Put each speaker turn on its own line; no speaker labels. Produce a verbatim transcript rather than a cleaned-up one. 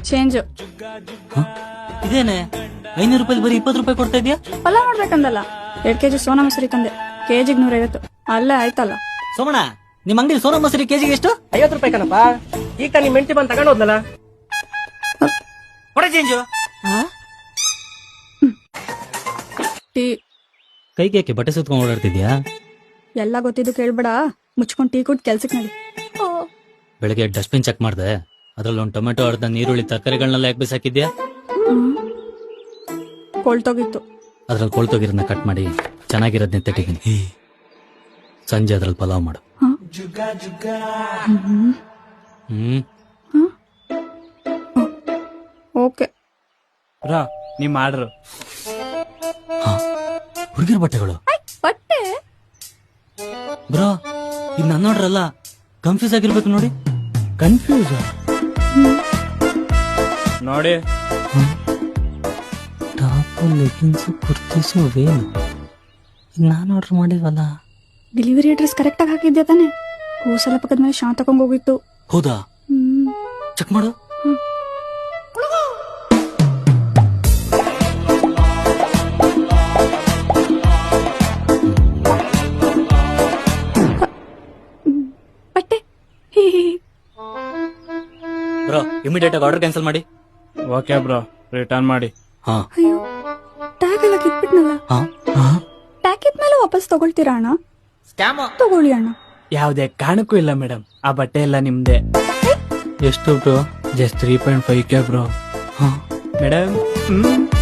Change.
ಇದೇನೆ ಐನೂರು ರೂಪಾಯಿ ಬರೀ ಇಪ್ಪತ್ತು ರೂಪಾಯಿ ಕೊಡ್ತಾ ಇದೀಯಾ?
ಪಲಾವ್ ಮಾಡ್ಬೇಕಂದಲ್ಲ. ಎರಡ್ ಕೆಜಿ ಸೋನಾ ಮಸೂರಿ ತಂದೆ, ಕೆಜಿಗ್ ನೂರೈವತ್ತು. ಅಲ್ಲೇ ಆಯ್ತಲ್ಲ.
ಸೋಮಣ್ಣ, ನಿಮ್ ಅಂಗಡಿ ಸೋನಾ ಮಸೂರಿ ಕೆಜಿಗೆ ಎಷ್ಟು?
ಐವತ್ತು ರೂಪಾಯಿ ಕಣಪ್ಪ. ಈಗ ತಾನು ನಿಮ್ ಹೆಂಡತಿ ಬಂದು ತಗೊಂಡ್ ಹೋದ್ನಲ್ಲ.
ಕೊಡ ಚೇಂಜು.
ಟೀ.
ಕೈಗೆ ಯಾಕೆ ಬಟ್ಟೆ ಸುತ್ಕೊಂಡ್ ಓಡಾಡ್ತಿದ್ಯಾ?
ಎಲ್ಲ ಗೊತ್ತಿದ್ದು ಕೇಳ್ಬೇಡ, ಮುಚ್ಕೊಂಡ್ ಟೀ ಕುಟ್ ಕೆಲ್ಸಕ್ ನಡಿ.
ಬೆಳಗ್ಗೆ ಡಸ್ಟ್ಬಿನ್ ಚೆಕ್ ಮಾಡ್ದೆ, ಅದ್ರಲ್ಲಿ ಒಂದು ಟೊಮೆಟೊ, ಅರ್ಧ ನೀರುಳ್ಳಿ, ತರಕಾರಿಗಳನ್ನೆಲ್ಲ ಯಾಕೆ ಬಿಸಾಕಿದ್ಯಾ?
ಕೊಳ್ತೋಗಿತ್ತು.
ಅದ್ರಲ್ಲಿ ಕೊಳ್ತೋಗಿರೋದನ್ನ ಕಟ್ ಮಾಡಿ ಚೆನ್ನಾಗಿರೋದನ್ನ ತೆಟ್ಟಿದ್ದೀನಿ. ಸಂಜೆ ಅದ್ರಲ್ಲಿ ಪಲಾವ್ ಮಾಡು. ಹ್ಮ್
ಓಕೆ
ಬ್ರೋ, ನಿಮ್ ಆರ್ಡರ್.
ಹುಡುಗಿರ್ ಬಟ್ಟೆಗಳು
ಬಟ್ಟೆ.
ಬ್ರೋ, ಇದು ನನ್ನ ಆರ್ಡರ್ ಅಲ್ಲ. ಕನ್ಫ್ಯೂಸ್ ಆಗಿರ್ಬೇಕು ನೋಡಿ.
ಕನ್ಫ್ಯೂಸ್ ನೋಡಿ.
ಟಾಪು, ಲೆಗಿನ್ಸು, ಕುರ್ತೀಸು, ವೇನು ನಾನು ಆರ್ಡರ್ ಮಾಡಿಲ್ವಲ್ಲ.
ಡೆಲಿವರಿ ಅಡ್ರೆಸ್ ಕರೆಕ್ಟ್ ಆಗಿ ಹಾಕಿದ್ಯಾ ತಾನೆ? ಹೋಸಲ ಪಕ್ಕದ ಮೇಲೆ ಶಾಂತ ತಕೊಂಡ್ ಹೋಗಿತ್ತು.
ಹೌದಾ?
ಹ್ಮ್
ಚೆಕ್ ಮಾಡು.
ಬಟ್ಟೆ.
ಬ್ರೋ, ಇಮಿಡಿಯೇಟ್ ಆಗಿ ಆರ್ಡರ್ ಕ್ಯಾನ್ಸಲ್ ಮಾಡಿ.
ಓಕೆ ಬ್ರೋ, ರಿಟರ್ನ್ ಮಾಡಿ.
ಹಾ.
ಅಯ್ಯೋ, ಟ್ಯಾಗ್ ಎಲ್ಲ ಕಿತ್ಬಿಟ್ನಲ್ಲ.
ಹಾ
ಟ್ಯಾಗ್ ಇದ್ಮೇಲೆ ವಾಪಸ್ ತಗೊಳ್ತೀರಾ ಅಣ್ಣ? ತಗೊಳ್ಳಿ ಅಣ್ಣ.
ಯಾವುದೇ ಕಾರಣಕ್ಕೂ ಇಲ್ಲ ಮೇಡಮ್, ಆ ಬಟ್ಟೆ ಎಲ್ಲ ನಿಮ್ದೆ. ಎಷ್ಟು bro? Just three point five K bro.
ಹಾ
ಮೇಡಮ್.